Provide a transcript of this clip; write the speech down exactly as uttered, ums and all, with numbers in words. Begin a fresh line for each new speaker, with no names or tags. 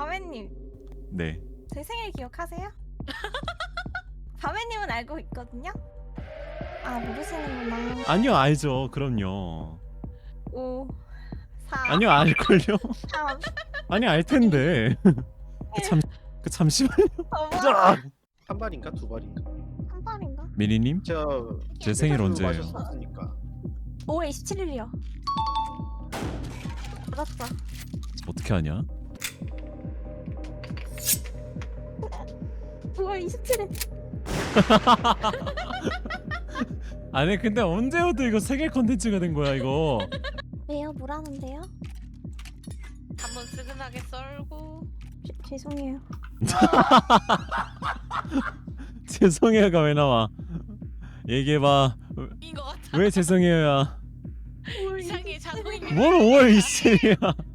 바매님,
네.
제 생일 기억하세요? 바매님은 알고 있거든요? 아, 모르시는구나.
아니요, 알죠. 그럼요.
오, 사,
아니요, 알걸요.
삼,
아니, 알 텐데. 그 참, 그 잠시만요.
어머,
한 발인가 두 발인가?
한 발인가?
미리님,
저
제 생일 언제예요?
마셨으니까.
오월 이십칠일이요. 맞았어.
어떻게 하냐?
오월 이십칠일.
아니 근데 언제부터 이거 세계 컨텐츠가 된 거야 이거?
왜요? 뭐라는데요?
한번 스근하게 썰고.
죄- 죄송해요.
죄송해요가 왜 나와? 얘기해봐.
인것 같아.
왜 죄송해요야?
이상해 자동인 게.
뭘 오월 이십칠이야?